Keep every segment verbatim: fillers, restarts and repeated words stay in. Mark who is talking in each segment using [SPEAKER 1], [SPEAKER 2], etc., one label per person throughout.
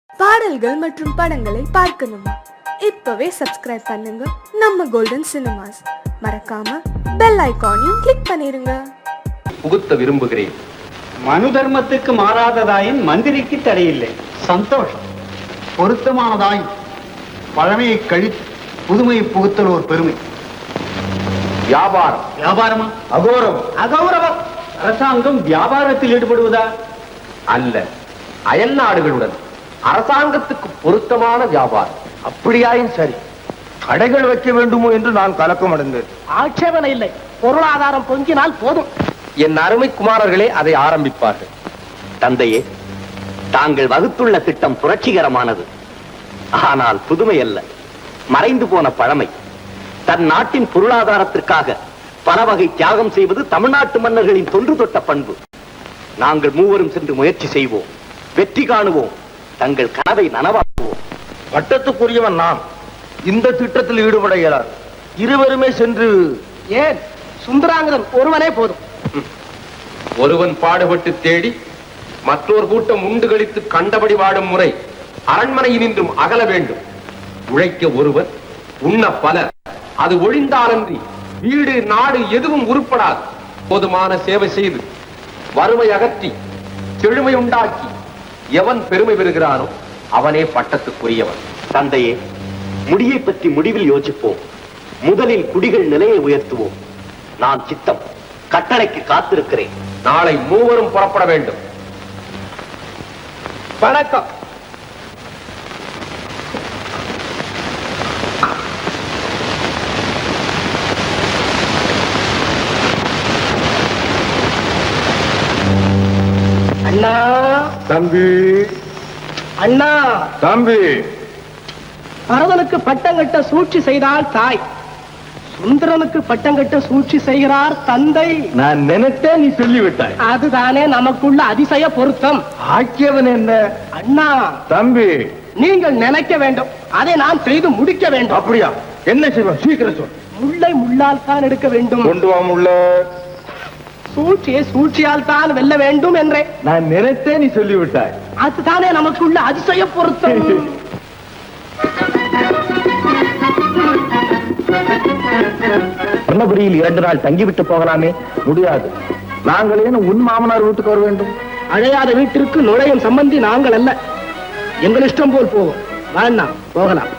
[SPEAKER 1] பாடல்கள் மற்றும் படங்களை பார்க்கணுமா? இப்பவே சப்ஸ்கிரைப் பண்ணுங்க நம்ம கோல்டன் சினிமாஸ். மறக்காம பெல் ஐகானையும் கிளிக் பண்ணிருங்க.
[SPEAKER 2] புகுத்த விரும்புகிறேன்.
[SPEAKER 3] மனு தர்மத்துக்கு மாறாததாயின் மந்திரிக்கு தடையில்லை.
[SPEAKER 4] சந்தோஷம். பொருத்தமானதாய் பழமையை கழித்து புதுமையை புகுத்தல் ஒரு பெருமை.
[SPEAKER 2] வியாபாரம்
[SPEAKER 4] வியாபாரமா?
[SPEAKER 3] அகௌரவம். அகௌரவம். அரசாங்கம் வியாபாரத்தில் ஈடுபடுவதா?
[SPEAKER 2] அல்ல, அயல் நாடுகளுடன் அரசாங்கத்துக்கு பொருத்தமான வியாபாரம்.
[SPEAKER 4] அப்படியாயின் சரி. கடைகள் வைக்க வேண்டுமோ என்று நான் கலக்கம் அடைந்தேன்.
[SPEAKER 5] ஆட்சேபனை இல்லை. பொருளாதாரம் பொங்கினால் போதும்.
[SPEAKER 2] என் அருமை குமாரர்களே அதை ஆரம்பிப்பார்கள்.
[SPEAKER 6] தந்தையே, தாங்கள் வகுத்துள்ள திட்டம் புரட்சிகரமானது. ஆனால் புதுமை அல்ல, மறைந்து போன பழமை. தன் நாட்டின் பொருளாதாரத்திற்காக பல வகை தியாகம் செய்வது தமிழ்நாட்டு மன்னர்களின் தொன்று தொட்ட பண்பு. நாங்கள் மூவரும் சென்று முயற்சி செய்வோம், வெற்றி காணுவோம், தங்கள் கனவை நனவாக்குவோம்.
[SPEAKER 4] பட்டத்துக்குரியவன் நான். இந்த திட்டத்தில் ஈடுபட இயலாது. இருவருமே சென்று.
[SPEAKER 5] ஏன், சுந்தராங்கதன் ஒருவனே போதும்.
[SPEAKER 2] ஒருவன் பாடுபட்டு தேடி மற்றொரு கூட்டம் உண்டு கழித்து கண்டபடி வாடும் முறை அரண்மனையினின்றும் அகல வேண்டும். உழைக்க ஒருவன், உண்ண பலர். அது ஒழிந்தாலன்றி வீடு நாடு எதுவும் உருப்படாது. போதுமான சேவை செய்து வறுமை அகற்றி செழுமை உண்டாக்கி எவன் பெருமை பெறுகிறானோ அவனே பட்டத்துக்குரியவன்.
[SPEAKER 6] தந்தையே, முடியை பற்றி முடிவில் யோசிப்போம். முதலில் குடிகள் நிலையை உயர்த்துவோம். நான் சித்தம், கட்டளைக்கு காத்திருக்கிறேன்.
[SPEAKER 2] நாளை மூவரும் புறப்பட வேண்டும்.
[SPEAKER 5] வணக்கம். அண்ணா.
[SPEAKER 4] தம்பி.
[SPEAKER 5] அண்ணா.
[SPEAKER 4] தம்பி.
[SPEAKER 5] பரதனுக்கு பட்டம் கட்ட சூழ்ச்சி செய்தால் தாய், சுந்தரனுக்கு பட்டம் கட்ட சூழ்ச்சி செய்கிறார் தந்தை.
[SPEAKER 4] நான் நினைத்தேன், நீ சொல்லிவிட்டாய்.
[SPEAKER 5] அதுதானே நமக்குள்ள அதிசய பொருத்தம்.
[SPEAKER 4] ஆக்கியவன் என்ன?
[SPEAKER 5] அண்ணா.
[SPEAKER 4] தம்பி.
[SPEAKER 5] நீங்கள் நினைக்க வேண்டும், அதை நான் செய்து முடிக்க வேண்டும்.
[SPEAKER 4] அப்படியா? என்ன செய்வோம்? சீக்கிரம் சொல்.
[SPEAKER 5] முள்ளை முள்ளால் தான் எடுக்க வேண்டும்.
[SPEAKER 4] கொண்டு வா முள்ள.
[SPEAKER 5] சூழ்ச்சியை சூழ்ச்சியால் தான் வெல்ல வேண்டும் என்றே
[SPEAKER 4] நான் நினைத்தேன், நீ சொல்லிவிட்டாய்.
[SPEAKER 5] அதுதானே நமக்குள்ள அதிசய பொருத்தம்.
[SPEAKER 4] சொன்னபடியில் இரண்டு நாள் தங்கிவிட்டு போகலாமே? முடியாது. நாங்கள் ஏன் உன் மாமனார் வீட்டுக்கு வர வேண்டும்?
[SPEAKER 5] அழையாத வீட்டிற்கு நுழையும் சம்பந்தி நாங்கள் அல்ல. எங்கள் இஷ்டம் போல் போவோம். வேண்டாம், போகலாம்.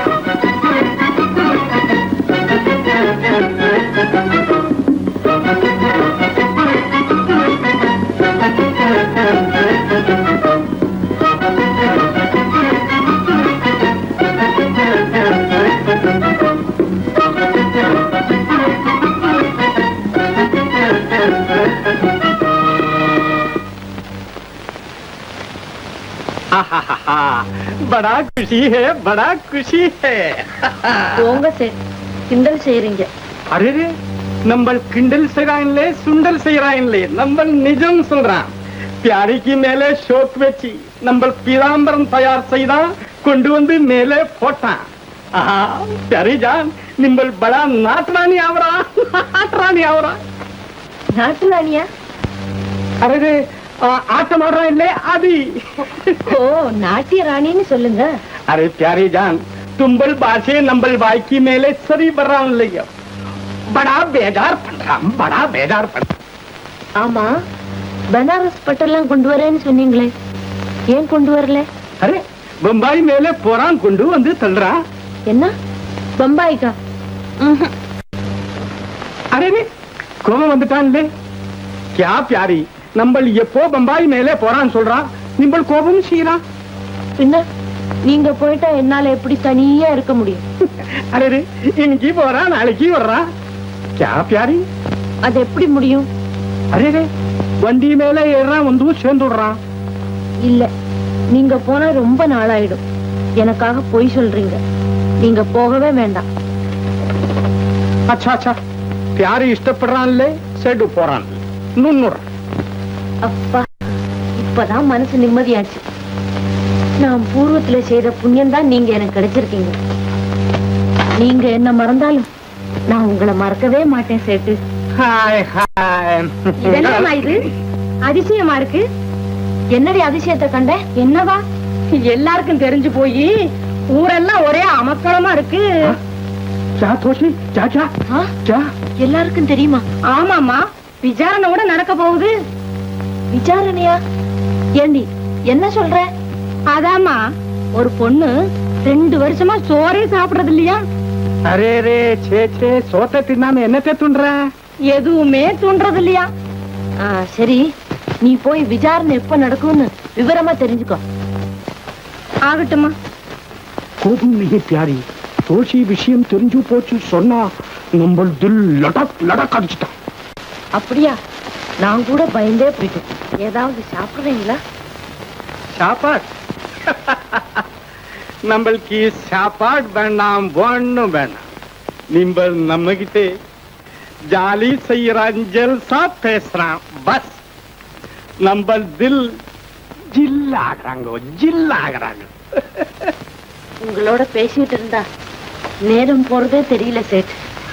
[SPEAKER 5] बड़ा खुशी है, बड़ा खुशी है.
[SPEAKER 7] போங்க சார், கிண்டல் செய்றீங்க.
[SPEAKER 5] அரே, நம்ம கிண்டல் செய்றாங்களே, சுண்டல் செய்றாங்களே, நம்ம நிஜம் சொல்றான். பியாரிக்கு மேலே ஷோக் வச்சு நம்ம பீதாம்பரம் தயார் செய்தா கொண்டு வந்து மேலே போட்டான். பியாரி ஜான், நிம்பல் படா நாட்டுராணி ஆவரா, நாட்டுராணி ஆவரா.
[SPEAKER 7] நாட்டு ராணியா?
[SPEAKER 5] அரே, ஆட்டம் ஆடுறான் இல்லே அது.
[SPEAKER 7] ஓ, நாட்டிய ராணின்னு சொல்லுங்க.
[SPEAKER 5] अरे प्यारे जान, तुम्बल बासे नंबल बाई की मेले सरी बर्रान लिया. बड़ा बेजार पड़ रहा, बड़ा बेजार पड़.
[SPEAKER 7] ஆமா, பனாரஸ் பட்டெல்லாம் கொண்டு வரேன்னு சொன்னீங்களே, ஏன் கொண்டு வரல?
[SPEAKER 5] अरे बम्बई मेले போறான், கொண்டு வந்து தள்ளுறா.
[SPEAKER 7] என்ன, பம்பாய்க்கா?
[SPEAKER 5] अरे रे, கோபம் வந்துட்டான்லே. क्या प्यारी, नंबल எப்போ பம்பாய் மேலே போறான் சொல்றான், நிம்பல் கோபம் செய்யறா.
[SPEAKER 7] என்ன, நீங்க போயிட்டா என்னால எப்படி தனியா இருக்க முடியும்?
[SPEAKER 5] अरे रे, இன்னைக்கு போறா, நாளைக்கு வர்றா. क्या प्यारी,
[SPEAKER 7] அது எப்படி முடியும்?
[SPEAKER 5] अरे रे, வண்டி மேலே ஏறான், வந்து சேர்ந்துடுறான்.
[SPEAKER 7] இல்ல, நீங்க போனா ரொம்ப நாளாயிடும். எனக்காக பொய் சொல்றீங்க. நீங்க போகவே வேண்டாம்.
[SPEAKER 5] अच्छा अच्छा, प्यारी இஷ்டப்படுறான்லே, செடு போறான். நுண்ணுற.
[SPEAKER 7] அப்பா, இப்பதான் மனசு நிம்மதியாச்சு. நான் பூர்வத்துல செய்த புண்ணியம் தான் நீங்க எனக்கு கிடைச்சிருக்கீங்க. நீங்க என்ன மறந்தாலும் நான் உங்களை மறக்கவே மாட்டேன் சேட்டு.
[SPEAKER 5] Hi hi.
[SPEAKER 7] இதெல்லாம் இது அதிசயமா இருக்கு. என்னடி அதிசயத்தை கண்ட? என்னவா? எல்லாருக்கும் தெரிஞ்சு போய் ஊரெல்லாம் ஒரே அமக்களமா இருக்கு.
[SPEAKER 5] ஜா தோஷி ஜா ஜா
[SPEAKER 7] ஆ?
[SPEAKER 5] ஜா.
[SPEAKER 7] எல்லாருக்கும் தெரியுமா? ஆமாமா, விசாரணை கூட நடக்க போகுது. விசாரணையா? ஏண்டி என்ன சொல்ற? அதாமா, ஒரு பொண்ணு ரெண்டு வருஷமா சோறே சாப்பிடுறது இல்லையா?
[SPEAKER 5] அரே ரே சே சே சோத்தை தின்னாம என்னத்தை துண்ற?
[SPEAKER 7] எதுவுமே தூண்டுறது இல்லையா? ஆ, சரி, நீ போய் விசாரணை எப்ப நடக்கும்னு விவரமா தெரிஞ்சுக்கோ. ஆகட்டுமா?
[SPEAKER 5] கோபம் நீ பியாரி, தோஷி விஷயம் தெரிஞ்சு போச்சு சொன்னா நம்ம தில் லடக் லடக் அடிச்சுட்டான்.
[SPEAKER 7] அப்படியா? நான் கூட பயந்தே போயிட்டேன். ஏதாவது சாப்பிடுறீங்களா?
[SPEAKER 5] சாப்பாடு நம்மளுக்கு சாப்பாடு வேண்டாம், ஒண்ணும் வேண்டாம். நிம்பல் நம்ம கிட்ட ஜாலி செய்யறான், ஜல்சா பேசுறான், பஸ் நம்ம தில் ஜில்லாகிறாங்க ஜில்லாகிறாங்க.
[SPEAKER 7] உங்களோட பேசிட்டு இருந்தா நேரம் போறதே தெரியல சேட்.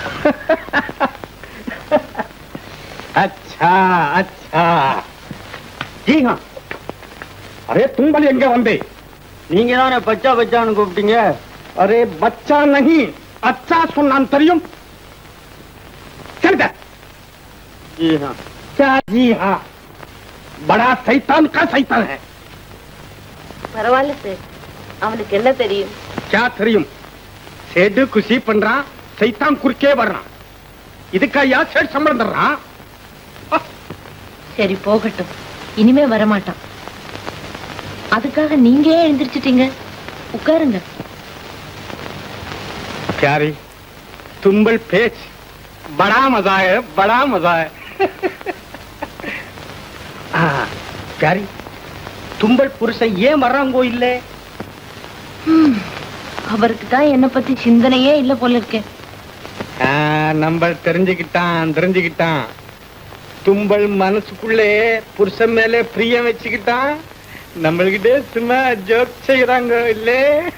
[SPEAKER 5] अच्छा अच्छा जी हाँ. अरे तुंबल எங்க வந்தே?
[SPEAKER 3] நீங்க தானே பச்சா பச்சான்னு கூப்பிட்டீங்க.
[SPEAKER 5] अरे बच्चा नहीं, अच्छा सुनान தெரியும். चल जा.
[SPEAKER 3] जी हाँ.
[SPEAKER 5] क्या जी हाँ? बड़ा शैतान का शैतान है.
[SPEAKER 7] பரவாயில்ல சேட், அவனுக்கு என்ன தெரியும்?
[SPEAKER 5] क्या தெரியும்? சேடு குஷி பண்றான், சைத்தான் குறுக்கே வர்றான். இதுக்கா யா சேட் சம்பளம் தர்றான்?
[SPEAKER 7] சரி போகட்டும், இனிமே வரமாட்டான். அதுக்காக நீங்க ஏன் எழுந்திரிச்சிட்டீங்க? உட்காருங்க.
[SPEAKER 5] प्यारी तुंबल पेच बड़ा मजा है, बड़ा मजा है. हाँ प्यारी, தும்பல் புருஷன் ஏன் வர்றாங்கோ இல்ல?
[SPEAKER 7] அவருக்கு தான் என்ன பத்தி சிந்தனையே இல்ல போல இருக்கே.
[SPEAKER 5] நம்ம தெரிஞ்சுக்கிட்டான் தெரிஞ்சுக்கிட்டான் தும்பல் மனசுக்குள்ளே புருஷன் மேல பிரியம் வச்சுக்கிட்டான். நம்மள்கிட்ட சும்மா ஜோக் செய்யறாங்க இல்ல?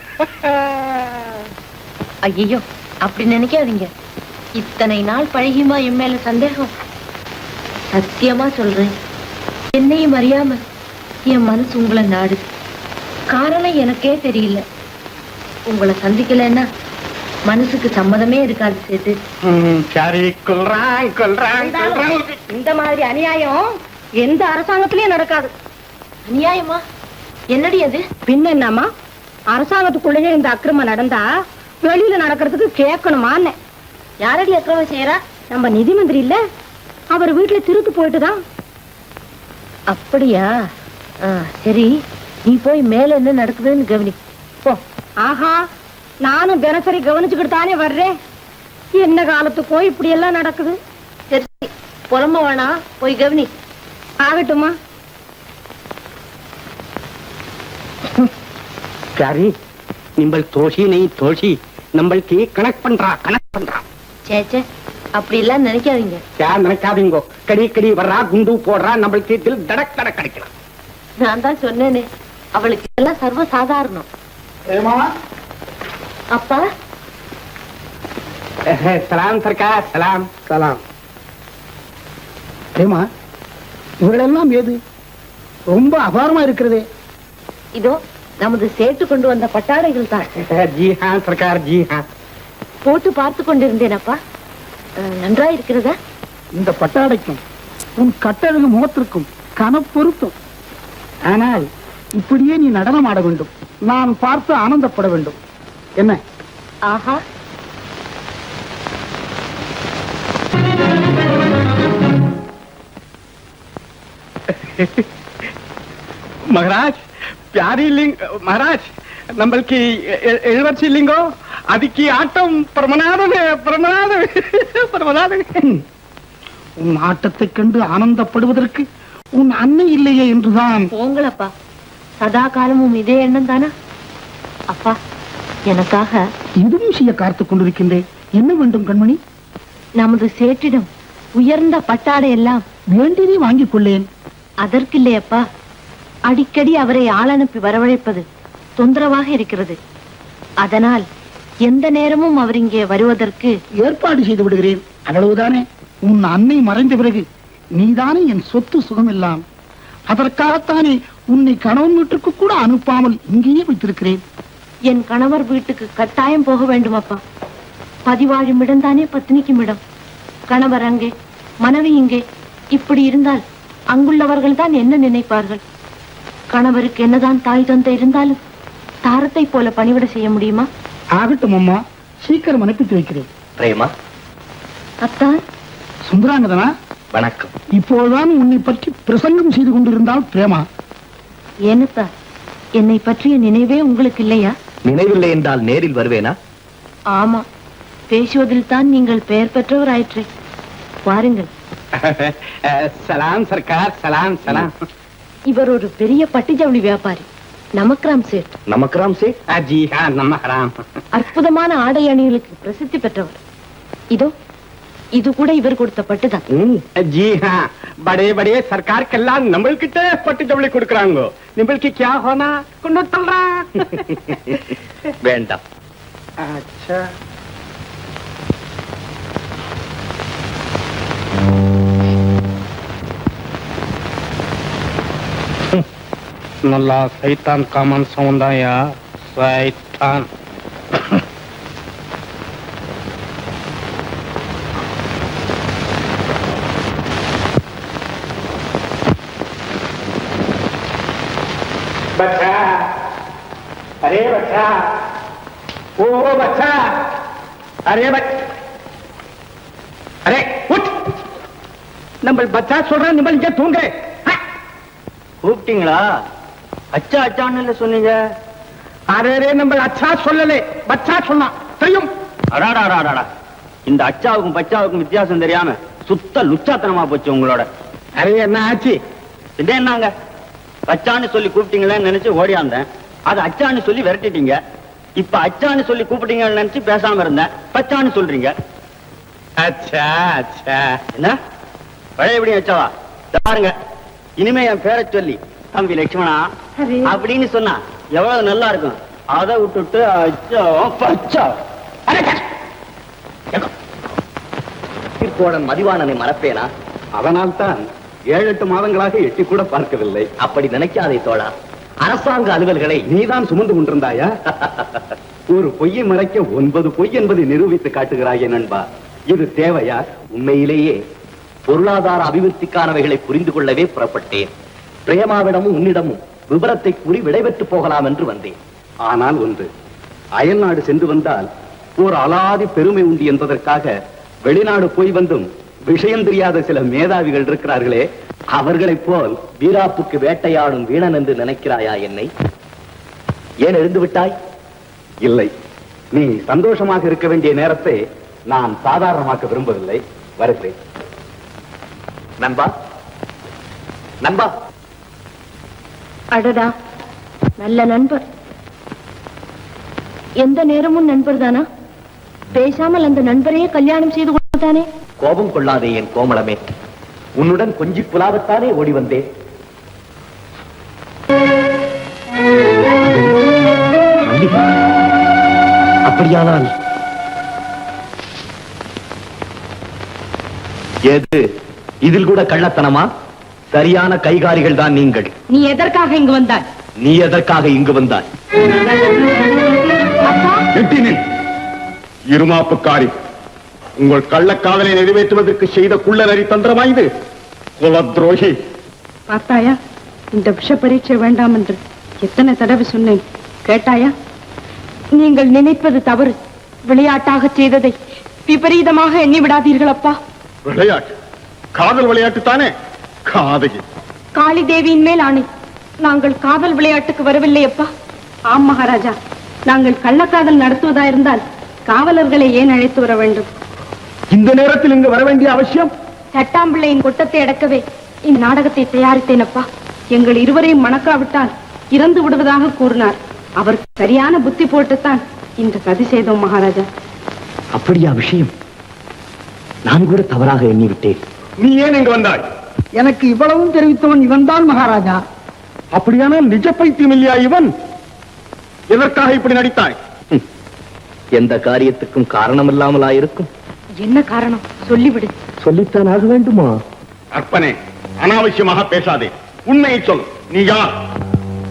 [SPEAKER 7] ஐயோ, அப்படி நினைக்காதீங்க. இத்தனை நாள் பழகியுமா என் மேல சந்தேகம்? சத்தியமா சொல்றேன், என்னையும் அறியாம என் மனசு உங்களை நாடுது. காரணம் எனக்கே தெரியல. உங்களை சந்திக்கலன்னா மனசுக்கு சம்மதமே இருக்காது சேட்டு.
[SPEAKER 5] சரி, கொல்றான் கொல்றான் கொல்றான்.
[SPEAKER 7] இந்த மாதிரி அநியாயம் எந்த அரசாங்கத்திலயும் நடக்காது. அநியாயமா? என்னடி அது? பின்ன என்னமா, அரசாங்கத்துக்குள்ளேயே இந்த அக்கிரமம் நடந்தா வெளியில நடக்கிறதுக்கு கேட்கணுமான்னு. யாரடி அக்கிரமம் செய்யறா? நம்ம நிதி மந்திரி இல்ல, அவர் வீட்டுல திருத்து போயிட்டுதான். அப்படியா? சரி, நீ போய் மேல என்ன நடக்குதுன்னு கவனி போ. ஆஹா, நானும் தினசரி கவனிச்சுக்கிட்டு தானே வர்றேன். என்ன காலத்துக்கோ இப்படி எல்லாம் நடக்குது. சரி, புலம்ப வேணா, போய் கவனி. ஆகட்டுமா?
[SPEAKER 5] प्यारी, நிம்பல் தோஷி நெய் தோஷி நம்மளுக்கு கனெக்ட் பண்றா கனெக்ட் பண்றா.
[SPEAKER 7] சேச்சே, அப்படி எல்லாம் நினைக்காதீங்க.
[SPEAKER 5] யார் நினைக்காதீங்கோ, கடி கடி வர்றா, குண்டு போடுறா, நம்மளுக்கு தில் தடக் தடக் கிடைக்கலாம்.
[SPEAKER 7] நான் தான் சொன்னேனே, அவளுக்கு எல்லாம் சர்வ சாதாரணம். அப்பா,
[SPEAKER 5] சலாம் சர்க்கார், சலாம் சலாம். ஏமா, இவர்களெல்லாம் ஏது ரொம்ப அபாரமா இருக்கிறதே?
[SPEAKER 7] இதோ நமது சேட்டு கொண்டு வந்த பட்டாடைகள் தான்.
[SPEAKER 5] ஜி ஹா சர்க்கார், ஜி ஹா.
[SPEAKER 7] போட்டு பார்த்து கொண்டிருந்தேன் அப்பா. நன்றா இருக்கிறதா?
[SPEAKER 5] இந்த பட்டாடைக்கும் உன் கட்டழகு முகத்திற்கும் கன பொருத்தம். ஆனால் இப்படியே நீ நடனம் ஆட வேண்டும், நான் பார்த்து ஆனந்தப்பட வேண்டும். என்ன?
[SPEAKER 7] ஆஹா,
[SPEAKER 5] மகராஜ் பியாரி லிங் மகராஜ், நம்மளுக்கு எழுவர்ச்சி இல்லைங்கோ, அதுக்கு ஆட்டம் பிரமநாதன் பிரமநாதன் பிரமநாதன். உன் ஆட்டத்தை கண்டு ஆனந்தப்படுவதற்கு உன் அன்னை இல்லையே என்றுதான்.
[SPEAKER 7] போங்களப்பா, சதா காலமும் இதே எண்ணம் தானா? அப்பா, எனக்காக
[SPEAKER 5] இதுவும் செய்ய காத்துக் கொண்டிருக்கின்றேன். என்ன வேண்டும் கண்மணி?
[SPEAKER 7] நமது சேட்டிடம் உயர்ந்த பட்டாடை எல்லாம்
[SPEAKER 5] வேண்டியதை வாங்கிக் கொள்ளேன்.
[SPEAKER 7] அதற்கில்லையப்பா, அடிக்கடி அவரை ஆள் அனுப்பி வரவழைப்பது தொந்தரவாக இருக்கிறது. அதனால் எந்த நேரமும் அவர் இங்கே வருவதற்கு
[SPEAKER 5] ஏற்பாடு செய்து விடுகிறேன். அவ்வளவுதானே? உன் அன்னை மறைந்த பிறகு நீதானே என் சொத்து சுகம் எல்லாம். அதற்காகத்தானே
[SPEAKER 8] உன்னை கணவன் வீட்டுக்கு கூட அனுப்பாமல் இங்கேயே வைத்திருக்கிறேன்.
[SPEAKER 7] என் கணவர் வீட்டுக்கு கட்டாயம் போக வேண்டும் அப்பா. பதிவாழும் இடம்தானே பத்தினிக்கும் இடம். கணவர் அங்கே, மனைவி இங்கே. இப்படி இருந்தால் அங்குள்ளவர்கள் தான் என்ன நினைப்பார்கள்? கணவருக்கு என்னதான் தாய் தந்தை இருந்தாலும் தாரத்தை போல பணிவிட செய்ய முடியுமா?
[SPEAKER 8] ஆகட்டும் அம்மா, சீக்கிரம் அனுப்பித்து வைக்கிறேன்.
[SPEAKER 6] பிரேமா,
[SPEAKER 7] அத்தான்.
[SPEAKER 8] சுந்தராங்கதனா,
[SPEAKER 6] வணக்கம்.
[SPEAKER 8] இப்போதுதான் உன்னை பற்றி பிரசங்கம் செய்து கொண்டிருந்தால் பிரேமா.
[SPEAKER 7] ஏனத்தா, என்னை பற்றிய நினைவே உங்களுக்கு இல்லையா?
[SPEAKER 6] நினைவில்லை என்றால் நேரில் வருவேனா?
[SPEAKER 7] ஆமா, பேசுவதில் தான் நீங்கள் பெயர் பெற்றவராயிற்றே. பாருங்கள்.
[SPEAKER 5] சலாம் சர்க்கார், சலாம் சலாம்.
[SPEAKER 7] இவர் ஒரு பெரிய பட்டு ஜவுளி வியாபாரி, நமக்ராம் சேட்.
[SPEAKER 6] நமக்ராம் சே?
[SPEAKER 5] ஜி ஹா, நமக்ராம்.
[SPEAKER 7] அற்புதமான ஆடை அணிகளுக்கு பிரசித்தி பெற்றவர். இதோ இது கூட இவர் கொடுத்த பட்டுதான்.
[SPEAKER 5] ஜி ஹா, படே படே சர்க்காருக்கெல்லாம் நம்மள்கிட்ட பட்டு ஜவுளி கொடுக்கறாங்க. நம்மளுக்கு क्या होना கொண்டு தள்ளுறா.
[SPEAKER 6] வேண்டாம்.
[SPEAKER 5] अच्छा, நல்லா சைத்தான் காமன் சவுண்டாயா சைத்தான். बच्चा, अरे बच्चा, ओ बच्चा, अरे बच्चा, अरे उठ. நம்ம பச்சா சொல்றேன், நம்ம இங்க தூங்க.
[SPEAKER 3] கூப்பிட்டீங்களா? அச்சா அச்சான்னு சொன்னீங்க.
[SPEAKER 5] அரே, நம்ம அச்சா சொல்லலே, பச்சா சொன்னா தெரியும்.
[SPEAKER 3] அடாடாடாடா, இந்த அச்சாவுக்கும் பச்சாவுக்கும் வித்தியாசம் தெரியாம சுத்த லுச்சாத்தனமா போச்சு உங்களோட.
[SPEAKER 5] அரே, என்ன ஆச்சு?
[SPEAKER 3] இது என்னங்க, பச்சான்னு சொல்லி கூப்பிட்டீங்களேன்னு நினைச்சு ஓடியாந்தேன். அது அச்சான்னு சொல்லி விரட்டிட்டீங்க. இப்ப அச்சான்னு சொல்லி கூப்பிட்டீங்கன்னு நினைச்சு பேசாம இருந்தேன். பச்சான்னு சொல்றீங்க.
[SPEAKER 5] அச்சா அச்சா.
[SPEAKER 3] என்ன பழைய எப்படி அச்சாவா? பாருங்க, இனிமே என் பேரை சொல்லி தம்பி லட்சுமணா அப்படின்னு சொன்னா எவ்வளவு நல்லா இருக்கும். அதை விட்டுட்டு அச்சா பச்சா.
[SPEAKER 6] திருக்கோடன் மதிவாணனை மறப்பேனா?
[SPEAKER 5] அதனால்தான் ஏழு எட்டு மாதங்களாக எட்டி கூட பார்க்கவில்லை.
[SPEAKER 6] அப்படி நினைக்காதே தோழா. அரசாங்க அலுவல்களை
[SPEAKER 5] நீதான் சுமந்து கொண்டிருந்தாயா? ஒரு பொய்யை மறைக்க ஒன்பது பொய் என்பதை நிரூபித்து காட்டுகிறாயே நண்பா. இது தேவையா?
[SPEAKER 6] உண்மையிலேயே பொருளாதார அபிவிருத்திக்கானவைகளை புரிந்து கொள்ளவே புறப்பட்டேன். பிரேமாவிடமும் உன்னிடமும் விபரத்தை கூறி விடைபெற்று போகலாம் என்று வந்தேன்.
[SPEAKER 5] ஆனால் ஒன்று, அயல்நாடு சென்று வந்தால் ஒரு அலாதி பெருமை உண்டு என்பதற்காக வெளிநாடு போய் வந்தும் விஷயம் தெரியாத சில மேதாவிகள் இருக்கிறார்களே,
[SPEAKER 6] அவர்களைப் போல் வீராப்புக்கு வேட்டையாடும் வீணன் என்று நினைக்கிறாயா என்னை? ஏன் எழுந்து விட்டாய்?
[SPEAKER 5] இல்லை, நீ சந்தோஷமாக இருக்க வேண்டிய நேரத்தை நான் சாதாரணமாக்க விரும்பவில்லை. வருகிறேன்.
[SPEAKER 6] நண்பா, நண்பா.
[SPEAKER 7] அடடா, நல்ல நண்பர். எந்த நேரமும் நண்பர் தானா? பேசாமல் அந்த நண்பரையே கல்யாணம் செய்து கொண்டானே.
[SPEAKER 6] கோபம் கொள்ளாதே என் கோமளமே. உன்னுடன் கொஞ்சி புலாவத்தானே ஓடி வந்தேன். அப்படியானால் எது இதில் கூட கள்ளத்தனமா? சரியான கைகாரிகள் தான் நீங்கள்.
[SPEAKER 7] நீ எதற்காக இங்கு வந்தாய்?
[SPEAKER 6] நீ எதற்காக இங்கு வந்தாய்?
[SPEAKER 5] இருமாப்புக்காரி, உங்கள் கள்ளக்காதலை நிறைவேற்றுவதற்கு செய்த குள்ள நரி தந்திரமா இது? குல துரோகி.
[SPEAKER 9] பார்த்தாயா, இந்த விஷ பரீட்சை வேண்டாம் என்று எத்தனை தடவை சொன்னேன், கேட்டாயா? நீங்கள் நினைப்பது தவறு. விளையாட்டாக செய்ததை விபரீதமாக எண்ணி விடாதீர்கள் அப்பா.
[SPEAKER 5] விளையாட்டு? காதல் விளையாட்டு தானே? காதகி.
[SPEAKER 9] காளி தேவியின் மேல் ஆணை, நாங்கள் காதல் விளையாட்டுக்கு வரவில்லை அப்பா. ஆம் மகாராஜா, நாங்கள் கள்ளக்காதல் நடத்துவதா இருந்தால் காவலர்களை ஏன் அழைத்து வர வேண்டும்?
[SPEAKER 5] இந்த நேரத்தில் இங்கு வர வேண்டிய அவசியம்?
[SPEAKER 9] தட்டாம்பிள்ளையின் கொட்டத்தை அடக்கவே இந்நாடகத்தை தயாரித்தேன் அப்பா. எங்கள் இருவரையும் மணக்காவிட்டால் இறந்து விடுவதாக கூறினார். அவர் சரியான புத்தி போட்டுத்தான் இந்த சதி செய்தோம் மகாராஜா.
[SPEAKER 6] அப்படியா விஷயம்? நான் கூட தவறாக எண்ணிவிட்டேன்.
[SPEAKER 5] நீ ஏன் இங்கு வந்தாய்?
[SPEAKER 8] எனக்கு இவ்வளவும் தெரிவித்தவன் இவன் தான் மகாராஜா.
[SPEAKER 5] அப்படியானால் நிஜ பைத்தியம் இல்லையா இவன்? எதற்காக இப்படி நடித்தாய்?
[SPEAKER 6] எந்த காரியத்துக்கும் காரணம் இல்லாமலா இருக்கும்?
[SPEAKER 9] என்ன காரணம் சொல்லிவிடு.
[SPEAKER 6] சொல்லித்தான் ஆக வேண்டுமா?
[SPEAKER 5] அற்பனே, அனாவசியமாக பேசாதே. உண்மையை சொல். நீ யார்?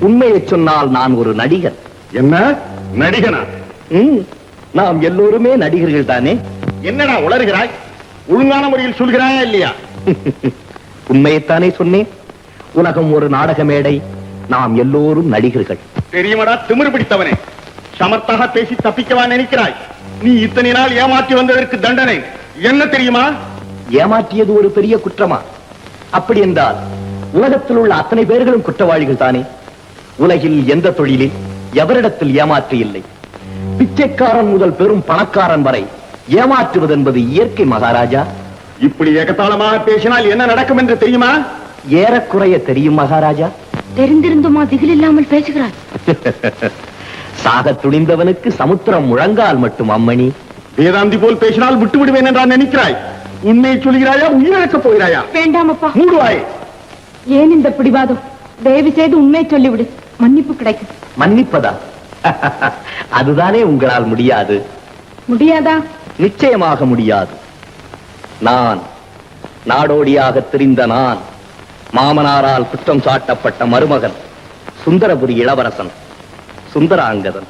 [SPEAKER 6] உண்மையை சொன்னால் நான் ஒரு நடிகர்.
[SPEAKER 5] என்ன நடிகனா?
[SPEAKER 6] ம், நாம் எல்லோருமே நடிகர்கள் தானே.
[SPEAKER 5] என்னடா உளறுகிறாய்? ஒழுங்கான முறையில் சொல்கிறாயா இல்லையா?
[SPEAKER 6] உண்மையைத்தானே சொன்னேன். உலகம் ஒரு நாடக மேடை, நாம் எல்லோரும் நடிகர்கள்.
[SPEAKER 5] தெரியுமடா திமிரு பிடித்தவனே, சமர்த்தாக பேசி தப்பிக்கவா நினைக்கிறாய்? நீ இத்தனை நாள் ஏமாற்றி வந்ததற்கு தண்டனை என்ன தெரியுமா?
[SPEAKER 6] ஏமாற்றியது ஒரு பெரிய குற்றமா? அப்படி என்றால் உலகத்தில் உள்ள அத்தனை பேர்களும் குற்றவாளிகள் தானே. உலகில் எந்த தொழிலில் எவரிடத்தில் ஏமாற்று இல்லை. பிச்சைக்காரன் முதல் பெரும் பணக்காரன் வரை ஏமாற்றுவது என்பது இயற்கை மகாராஜா.
[SPEAKER 5] இப்படி ஏகத்தாளமாக பேசினால் என்ன நடக்கும் என்று தெரியுமா?
[SPEAKER 6] ஏறக்குறைய தெரியும் மகாராஜா.
[SPEAKER 7] தெரிந்திருந்துமா திகில் இல்லாமல் பேசுகிறார்?
[SPEAKER 6] சாக துணிந்தவனுக்கு சமுத்திரம் முழங்கால் மட்டும் அம்மணி.
[SPEAKER 5] வேதாந்தி போல் பேசினால் விட்டு விடுவேன் என்றான் நினைக்கிறாய்? உண்மையை சொல்கிறாயா, உயிரிழக்கப் போகிறாயா?
[SPEAKER 9] வேண்டாம் அப்பா.
[SPEAKER 5] மூடுவாய்.
[SPEAKER 9] ஏன் இந்த பிடிவாதம்? தயவு செய்து உண்மையை சொல்லிவிடு, மன்னிப்பு கிடைக்கும்.
[SPEAKER 6] மன்னிப்பதா? அதுதானே உங்களால் முடியாது.
[SPEAKER 9] முடியாதா?
[SPEAKER 6] நிச்சயமாக முடியாது. நான் நாடோடியாக திரிந்த நான், மாமனாரால் குற்றம் சாட்டப்பட்ட மருமகன், சுந்தரபுரி இளவரசன் சுந்தராங்கதன்.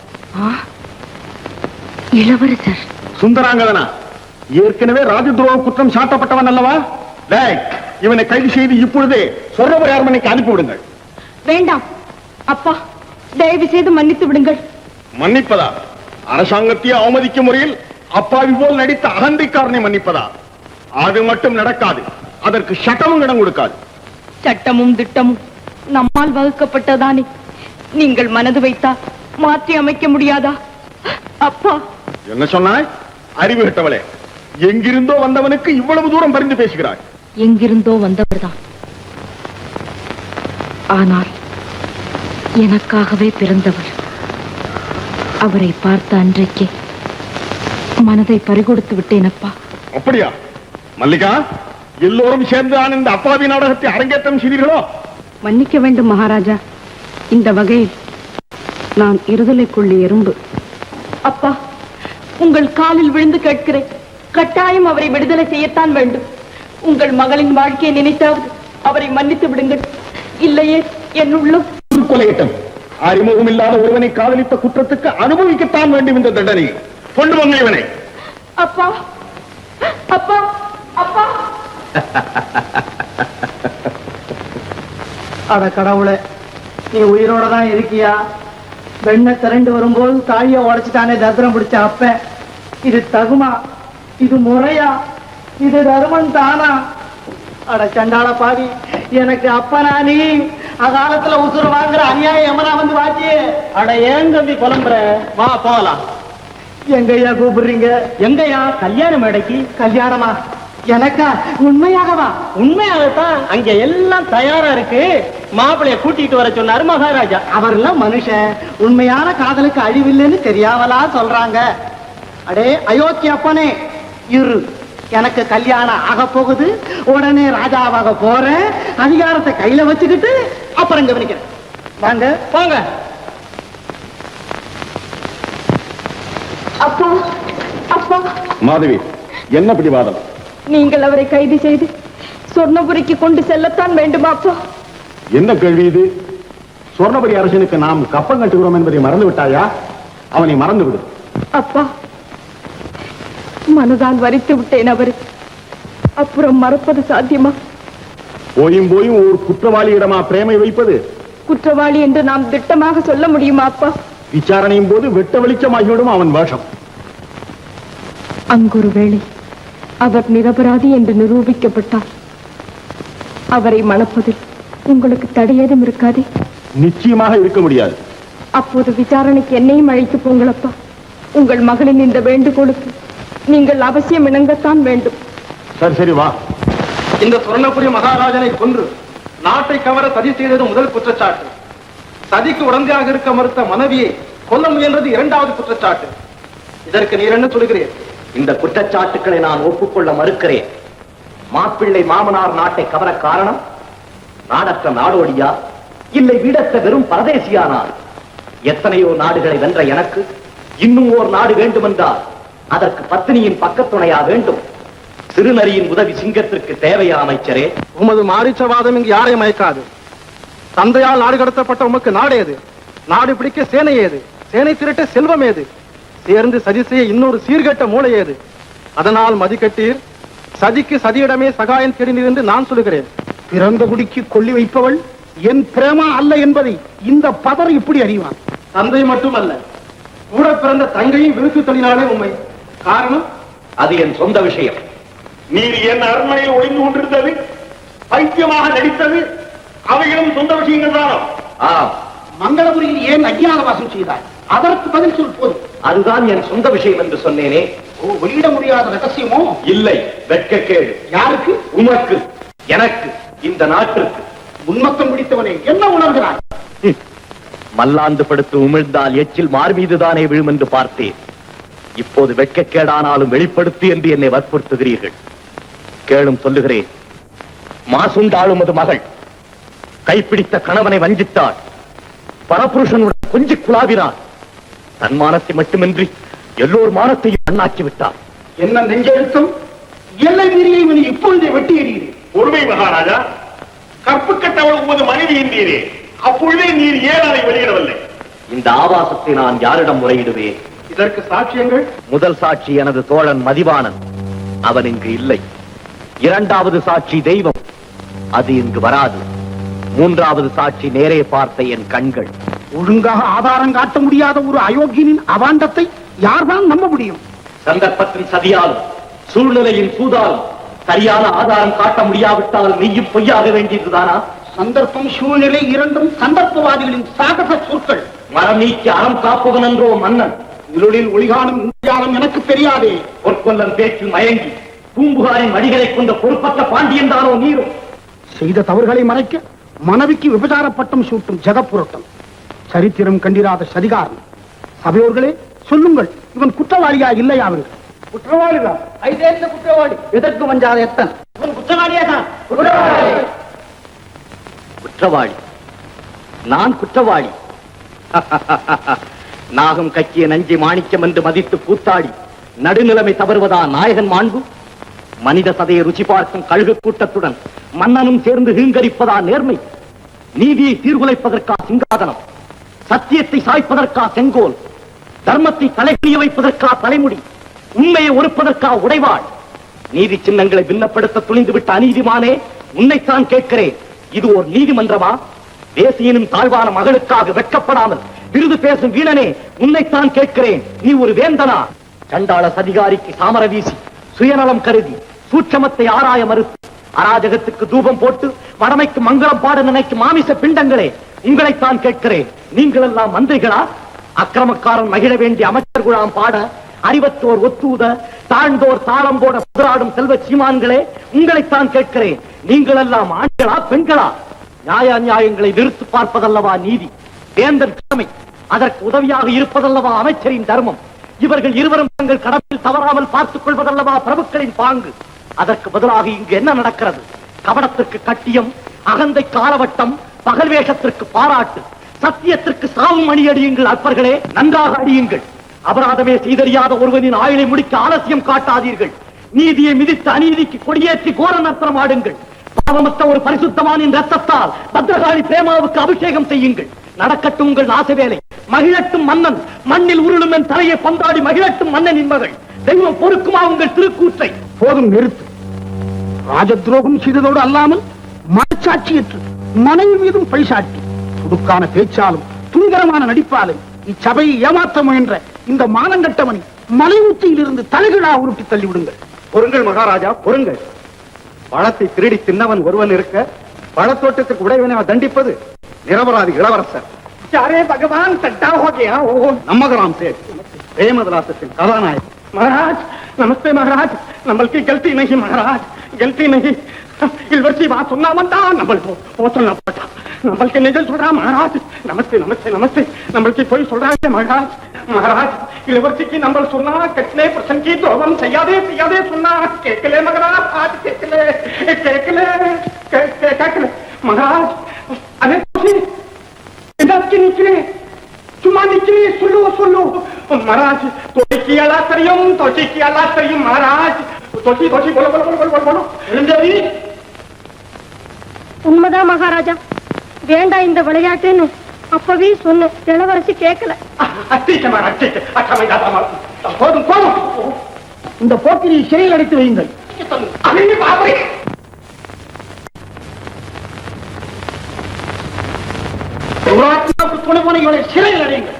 [SPEAKER 7] இளவரசர்
[SPEAKER 5] சுந்தராங்கதனா? ஏற்கனவே ராஜதுரோக குற்றம் சாட்டப்பட்டவன் அல்லவா? டேய், இவனை கைது செய்து இப்பொழுதே சொர்ணபுரி அரண்மனைக்கு அனுப்பிவிடுங்கள்.
[SPEAKER 9] வேண்டாம் அப்பா, தயவு செய்து மன்னித்து விடுங்கள்.
[SPEAKER 5] மன்னிப்பதா? அரசாங்கத்தையே அவமதிக்கும் முறையில் அப்பாவி போல் நடித்த அகந்தைக்காரனை மன்னிப்பதா? அது மட்டும் நடக்காது. அதற்கு சட்டமும் இடம் கொடுக்காது.
[SPEAKER 9] சட்டமும் திட்டமும் நம்மால் வகுக்கப்பட்டதானே. நீங்கள் மனது வைத்தா மாற்றி அமைக்க முடியாதா? அப்பா.
[SPEAKER 5] என்ன சொன்னாய்? அறிவு கட்டவளே, எங்கிருந்தோ வந்தவனுக்கு இவ்வளவு தூரம் பரிந்து பேசுகிறாய்.
[SPEAKER 7] எங்கிருந்தோ வந்தவர்தான், ஆனால் எனக்காகவே பிறந்தவர். அவரை பார்த்த அன்றைக்கே மனதை பறிகொடுத்து விட்டேன் அப்பா.
[SPEAKER 5] அப்படியா? மல்லிகா, எல்லோரும் சேர்ந்து நான் இந்த அப்பாவி நாடகத்தை அரங்கேற்றம் செய்தீர்களோ?
[SPEAKER 9] மன்னிக்க வேண்டும் மகாராஜா. இந்த வகையில் நான் இருதலைக்குள்ளி எறும்பு. அப்பா, உங்கள் காலில் விழுந்து கேட்கிறேன், கட்டாயம் அவரை விடுதலை செய்யத்தான் வேண்டும். உங்கள் மகளின் வாழ்க்கையை நினைத்தாவது அவரை மன்னித்து விடுங்கள். இல்லையே என் உள்ளம்
[SPEAKER 5] கொலையிட்டம். அறிமுகம் இல்லாத ஒருவனை காதலித்த குற்றத்துக்கு அனுபவிக்கத்தான் வேண்டும் இந்த தண்டனை. கொண்டு வாங்க இவனை.
[SPEAKER 9] அப்பா, அப்பா, அப்பா.
[SPEAKER 3] அட கடவுளே, நீ உயிரோட தான் இருக்கியா? வெண்ணை திரண்டு வரும்போது தாழிய உடைச்சிட்டானே தத்திரம் பிடிச்ச அப்ப. இது தகுமா? இது முறையா? இது தர்மம் தானா? அட சண்டாள பாவி, எனக்கு அப்பனா நீ? அகாலத்துல உசுறு வாங்குற அநியாயம் எமனா வந்து வாச்சியே. அட ஏன் தம்பி புலம்புற? வா போகலாம். எங்கய்யா கூப்பிடுறீங்க? எங்கய்யா? கல்யாண மேடைக்கு. கல்யாணமா? எனக்கா? உண்மையாகவா? உண்மையாகத்தான். அங்க எல்லாம் தயாரா இருக்கு. மாப்பிளைய கூட்டிட்டு வர சொன்னாரு மகாராஜா. அவர்லாம் மனுஷன். உண்மையான காதலுக்கு அழிவில்லைன்னு தெரியாமலா சொல்றாங்க. அடே அயோக்கிய அப்பனே, இரு, எனக்கு கல்யாணம் ஆக போகுது. உடனே ராஜாவாக போறேன். அதிகாரத்தை கையில வச்சுக்கிட்டு அப்புறம் கவனிக்கிறேன். வாங்க வாங்க.
[SPEAKER 9] அப்பா, அப்பா.
[SPEAKER 5] மாதவி, என்ன பிடிவாதம்?
[SPEAKER 9] நீங்கள் அவரை கைது செய்து சொர்ணபுரிக்கு கொண்டு செல்லத்தான் வேண்டுமா அப்பா?
[SPEAKER 5] என்ன கேள்வி இது? சொர்ணபுரி அரசனுக்கு நாம் கப்பம் கட்டுகிறோம் என்பதை மறந்து விட்டாயா? அவனை மறந்து விடு.
[SPEAKER 9] அப்பா, மனதால் வரித்து விட்டேன் அவரை. அப்புறம் மறப்பது சாத்தியமா?
[SPEAKER 5] போயும் போயும் ஒரு குற்றவாளியிடமா பிரேமை வைப்பது?
[SPEAKER 9] குற்றவாளி என்று நாம் திட்டமாக சொல்ல முடியுமா அப்பா?
[SPEAKER 5] விசாரணையும் போது வெட்ட வெளிச்சமாகிவிடும் அவன் வேஷம்.
[SPEAKER 9] அங்கொரு வேளை அவர் நிரபராதி என்று நிரூபிக்கப்பட்டார். அவரை மணப்பதில் உங்களுக்கு தடையேதும் இருக்காதே?
[SPEAKER 5] நிச்சயமாக இருக்க முடியாது.
[SPEAKER 9] அப்போது விசாரணைக்கு என்னையும் அழைத்து போங்களப்பா. உங்கள் மகளின் இந்த வேண்டுகோளுக்கு நீங்கள் அவசியம் இணங்கத்தான் வேண்டும்.
[SPEAKER 5] சரி சரி வா. இந்த சுவர்ணபுரி மகாராஜனை கொன்று நாட்டை கவர சதி செய்தது முதல் குற்றச்சாட்டு. சதிக்கு உடந்தையாக இருக்க மறுத்த மனைவியை கொல்ல முயன்றது இரண்டாவது குற்றச்சாட்டு. இதற்கு நீர் என்ன சொல்கிறேன்?
[SPEAKER 6] இந்த குற்றச்சாட்டுக்களை நான் ஒப்புக்கொள்ள மறுக்கிறேன். மாப்பிள்ளை மாமனார் நாட்டை கவர காரணம் நாடற்ற நாடோடியா, இல்லை வீடற்ற வெறும் பரதேசியானார்? எத்தனையோ நாடுகளை வென்ற எனக்கு இன்னும் ஓர் நாடு வேண்டுமென்றால் அதற்கு பத்தினியின் பக்கத்துணையா வேண்டும்? சிறுநரியின் உதவி சிங்கத்திற்கு தேவையா அமைச்சரே?
[SPEAKER 5] உமது மாரிச்சவாதம் இங்கு யாரை மயக்காது. தந்தையால் நாடு கடத்தப்பட்ட உமக்கு நாடு ஏது? நாடு பிடிக்க சேனை ஏது? சேனை திரட்ட செல்வம் ஏது? சேர்ந்து சதி செய்ய இன்னொரு சீர்கெட்ட மூளை ஏது? அதனால் மதிக்கட்டீர், சதிக்கு சதியிடமே சகாயம் தேடினீர் என்று நான் சொல்லுகிறேன்.
[SPEAKER 8] பிறந்த குடிக்கு கொள்ளி வைப்பவள் என் பிரேமா அல்ல என்பதை இந்த பதர் இப்படி அறிவான்.
[SPEAKER 5] தந்தை மட்டுமல்ல, கூட பிறந்த தங்கையும் விருத்து தள்ளினாலே உண்மை. காரணம்
[SPEAKER 6] அது என் சொந்த விஷயம்.
[SPEAKER 4] நீர் என் அரண்மனையில் ஒளிந்து கொண்டிருந்தது, பைத்தியமாக நடித்தது, அவைகளும் சொந்த விஷயங்கள் தானோ?
[SPEAKER 6] ஆம்,
[SPEAKER 8] மங்களபுரியில் ஏன் அஞ்ஞான வாசம் செய்தாய்? அதற்கு பதில் சொல் போதும்.
[SPEAKER 6] அதுதான் என் சொந்த விஷயம் என்று சொன்னேனே.
[SPEAKER 8] ஓ, வெளியிட முடியாத ரகசியமோ?
[SPEAKER 6] இல்லை, வெட்கக்கேடு.
[SPEAKER 8] யாருக்கு?
[SPEAKER 6] உமக்கு, எனக்கு, இந்த நாட்டிற்கு.
[SPEAKER 8] உன்மத்தம் பிடித்தவனே, என்ன உணர்கிறாய்?
[SPEAKER 6] ஹம், மல்லாந்து படுத்து உமிழ்ந்தால் எச்சில் மார் மீதுதானே விழும் என்று பார்த்தேன். இப்போது வெட்கக்கேடானாலும் வெளிப்படுத்து என்று என்னை வற்புறுத்துகிறீர்கள். கேளும், சொல்லுகிறேன். மாசுண்டாளும் அது மகள் கைப்பிடித்த கணவனை வஞ்சித்தாள். பரபுருஷனுடன் கொஞ்சி குழாவினார். தன் மானத்தை மட்டுமின்றி எல்லோர் மானத்தையும் அண்ணாக்கி விட்டார்.
[SPEAKER 8] என்ன நெஞ்செழுத்தம்! எல்லை மீறியை இவனை இப்பொழுதே வெட்டி எறிகிறேன்.
[SPEAKER 4] பொறுமை மகாராஜா, கற்பு கட்டவள் உமது மனைவி என்றீரே, அப்பொழுதே நீர் ஏன் அதை வெளியிடவில்லை?
[SPEAKER 6] இந்த ஆபாசத்தை நான் யாரிடம் முறையிடுவேன்?
[SPEAKER 5] இதற்கு சாட்சியங்கள்?
[SPEAKER 6] முதல் சாட்சி எனது தோழன் மதிவாணன், அவன் இங்கு இல்லை. இரண்டாவது சாட்சி தெய்வம், அது இங்கு வராது. மூன்றாவது சாட்சி நேரே பார்த்த என் கண்கள்.
[SPEAKER 8] ஒழுங்காக ஆதாரம் காட்ட முடியாத ஒரு அயோக்கியனின் அவாண்டத்தை யார்தான் நம்ப முடியும்?
[SPEAKER 6] சந்தர்ப்பத்தின் சதியாலும் சூழ்நிலையின் சூதாலும் சரியான ஆதாரம் காட்ட முடியாவிட்டால் நீயும் பொய்யாக வேண்டியதுதானா?
[SPEAKER 8] சந்தர்ப்பம் சூழ்நிலை இரண்டும் சந்தர்ப்பவாதிகளின் சாகச சொற்கள்.
[SPEAKER 6] மரம் நீக்கி அறம் காப்பவன் என்றோ மன்னன்.
[SPEAKER 8] இருளில் ஒளிகாணும் இந்தியாலம் எனக்கு தெரியாதே.
[SPEAKER 6] பொற்கொல்லன் பேச்சில் மயங்கி பூம்புகாரின் மடிகளை கொண்ட பொறுப்பற்ற பாண்டியன் தானோ நீரும்?
[SPEAKER 8] செய்த தவறுகளை மறைக்க மனைவிக்கு விபச்சார பட்டம் சூட்டும் ஜெகப்புரட்டம், சரித்திரம் கண்டிராத சதிகாரம். சபையோர்களே, சொல்லுங்கள், இவன் குற்றவாளியா இல்லையா? அவர்கள்
[SPEAKER 3] குற்றவாளிதான். ஐதேந்த குற்றவாளி. எதற்கு வஞ்சாத எத்தன்? இவன் குற்றவாளியா தான்.
[SPEAKER 6] குற்றவாளி? நான் குற்றவாளி? நாகம் கக்கிய நஞ்சை மாணிக்கம் என்று மதித்து கூத்தாடி நடுநிலைமை தவறுவதா நாயகன் மாண்பு? மனித சதையை ருச்சி பார்க்கும் கழுகு கூட்டத்துடன் மன்னனும் சேர்ந்து ஹீங்கரிப்பதா நேர்மை? நீதியை சீர்குலைப்பதற்கா சிங்காதனம்? சத்தியத்தை சாய்ப்பதற்கா செங்கோல்? தர்மத்தை தலைகுனிய வைப்பதற்கா தலைமுடி? உண்மையை ஒருப்பதற்கா உடைவாள்? நீதி சின்னங்களை பின்னப்படுத்த துணிந்துவிட்ட அநீதிமானே, உன்னைத்தான் கேட்கிறேன். இது ஒரு நீதிமன்றமா? தேசியனும் தாழ்வான மகளுக்காக வெட்கப்படாமல் விருது பேசும் வீணனே, உன்னைத்தான் கேட்கிறேன். நீ ஒரு வேந்தனா? சண்டாள சதிகாரிக்கு சாமர வீசி சுயநலம் கருதி சூட்சமத்தை ஆராய மறுத்து அராஜகத்துக்கு தூபம் போட்டு வடமைக்கு மங்களம் பாட நினைக்கும் மாமிச பிண்டங்களே, உங்களைத்தான் கேட்கிறேன். நீங்கள் எல்லாம் மந்திரிகளா? அக்கிரமக்காரன் மகிழ வேண்டிய அமைச்சர் குழாம் பாட, அறிவத்தோர் ஒத்தூத, தாழ்ந்தோர் தாளம் போட புதராடும் செல்வ சீமான்களே, உங்களைத்தான் கேட்கிறேன். நீங்கள் எல்லாம் ஆண்களா பெண்களா? நியாய நியாயங்களை நிறுத்து பார்ப்பதல்லவா நீதி? வேந்தன் கடமை, அதற்கு உதவியாக இருப்பதல்லவா அமைச்சரின் தர்மம்? இவர்கள் இருவரும் தங்கள் கடமையில் தவறாமல் பார்த்துக் கொள்வதல்லவா பிரபுக்களின் பாங்கு? அதற்கு பதிலாக இங்கு என்ன நடக்கிறது? கபடத்திற்கு கட்டியம், அகந்தை காலவட்டம், பகல் வேஷத்திற்கு பாராட்டு, சத்தியத்திற்கு சாவும் அணி அடியுங்கள். அற்பர்களே, நன்றாக அடியுங்கள். அபராதமே செய்தறியாத ஒருவனின் ஆயுளை முடிக்க ஆலசியம் காட்டாதீர்கள். நீதியை மிதித்து அநீதிக்கு கொடியேற்றி கோர நர்த்தனம் ஆடுங்கள். பாவமற்ற ஒரு பரிசுத்தமானின் ரத்தத்தால் பத்ரகாளி பிரேமாவுக்கு அபிஷேகம் செய்யுங்கள். நடக்கட்டும் உங்கள் நாசவேலை. மகிழட்டும் மன்னன், மண்ணில் உருளும் என் தலையை பந்தாடி மகிழட்டும் மன்னனின் மகள். தெய்வம் பொறுக்குமா உங்கள் திருக்கூற்றை?
[SPEAKER 8] போதும், நிறுத்து. ராஜ துரோகம் செய்ததோடு அல்லாமல் மனச்சாட்சியற்று மனைவி மீதும் பழிசாட்டி துடுக்கான பேச்சாலும் துணிகரமான நடிப்பாலும் இச்சபையை ஏமாற்ற முயன்ற இந்த மானங்கட்டவனை மலை உச்சியில் இருந்து தலைகீழா உருட்டி தள்ளிவிடுங்கள்.
[SPEAKER 5] பொருங்கள் மகாராஜா, பொருங்கள். பழத்தை திருடி தின்னவன் ஒருவன் இருக்க, பழத்தோட்டத்துக்கு உடையவனை தண்டிப்பது நிரபராதி இளவரசர்.
[SPEAKER 8] யாரே பகவான் தட்டா ஹோகயா? ஓ,
[SPEAKER 5] நம்மகராம் சேட், பிரேமதலாசத்தின் கதாநாயகன்.
[SPEAKER 8] महाराज नमस्ते महाराज, नंबल की गलती नहीं महाराज, गलती नहीं. इलवर्सी बात सुनना बनता, नंबल को वो सुनना पड़ता. नंबल के निजल सुन रहा महाराज. नमस्ते नमस्ते नमस्ते. नंबल की कोई सुन रहा है महाराज? महाराज इलवर्सी की नंबल सुनना, कितने प्रसन्न की तो हम सयादे सयादे सुनना. केकले मगरा आज केकले केकले केकले महाराज. अरे इधर की निकले चुमा निकली, सुलो सुलो महाराज. तोची की अला करियम, तोची की अला करियम महाराज. तोची तोची बोलो बोलो बोलो बोलो बोलो.
[SPEAKER 7] உண்மைதான் மகாராஜா.
[SPEAKER 9] வேண்டாம் இந்த விளையாட்டுன்னு அப்பவே சொன்னேன். இளவரசி கேட்கல.
[SPEAKER 8] போதும் போதும், இந்த போக்கிரி சிறையில் அடைத்து வையுங்கள். துணை போன இவளை சிறையில் அடையுங்கள்.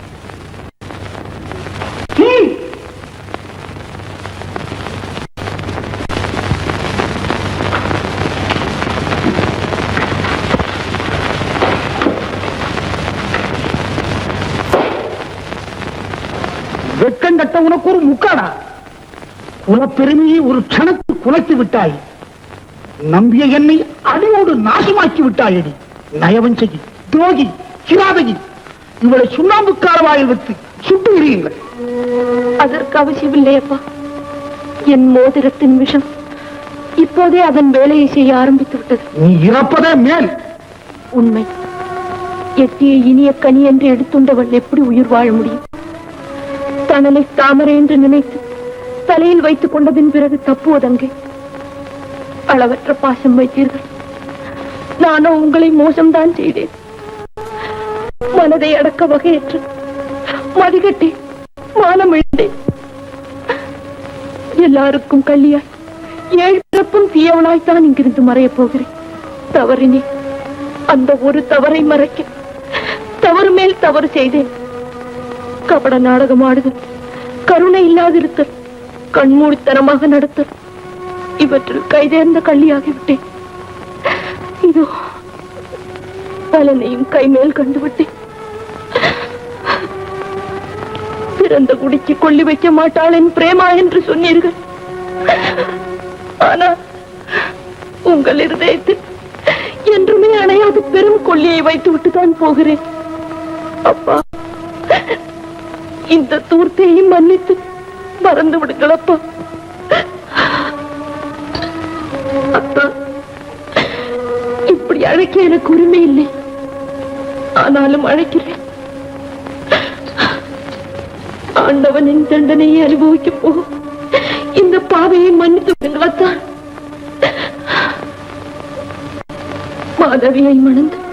[SPEAKER 8] வெட்கம் கட்ட உனக்கு ஒரு முக்காடா? குலப்பெருமையை ஒரு க்ஷணத்தில் குலைத்து விட்டாய். நம்பிய என்னை அடியோடு நாசமாக்கி விட்டாயடி. நயவஞ்சகி, துரோகி, கிராதகி, இவளை சுண்ணாம்புக்காரவாயில் வைத்து சுட்டு எறியுங்கள்.
[SPEAKER 9] அதற்கு அவசியமில்லையப்பா. என் மோதிரத்தின் விஷம் இப்போதே அதன் வேலையை செய்ய ஆரம்பித்து விட்டது.
[SPEAKER 8] நீ இறப்பதே மேல்.
[SPEAKER 9] உண்மை. எட்டிய இனிய கனி என்று எடுத்துண்டவள் எப்படி உயிர் வாழ முடியும்? தனனை தாமரை என்று நினைத்து தலையில் வைத்துக் கொண்டதின் பிறகு தப்புவதங்கே. அளவற்ற பாசம் வைத்தீர்கள். நானோ உங்களை மோசம்தான் செய்தேன். மனதை அடக்க வகையற்று மதிகட்டி மானம் இழந்தேன். எல்லாருக்கும் கல்லியாய் ஏழு பிறப்பும் தீயவனாய்த்தான் இங்கிருந்து மறையப் போகிறேன். தவறினே அந்த ஒரு தவறை மறைக்க தவறு மேல் தவறு செய்தேன். கபட நாடகம் ஆடுதல், கருணை இல்லாதிருத்தல், கண்மூடித்தனமாக நடத்தல், இவற்றில் கைதேர்ந்த கள்ளியாகிவிட்டேன். இதோ பலனையும் கைமேல் கண்டுவிட்டேன். பிறந்த குடிக்கு கொள்ளி வைக்க மாட்டாள் என் பிரேமா என்று சொன்னீர்கள். ஆனால் உங்கள் இருதயத்தில் என்றுமே அணையாது பெரும் கொள்ளியை வைத்து விட்டுதான் போகிறேன். அப்பா, இந்த தூர்த்தையும் மன்னித்து மறந்து விடுங்களப்பா. அத்தா, இப்படி அழைக்க எனக்கு உரிமை இல்லை. ஆனாலும் அழைக்கிறேன். ஆண்டவனின் தண்டனையை அனுபவிக்க போகும் இந்த பாவையை மன்னித்து விடுங்களத்தான். மாதவியை மணந்து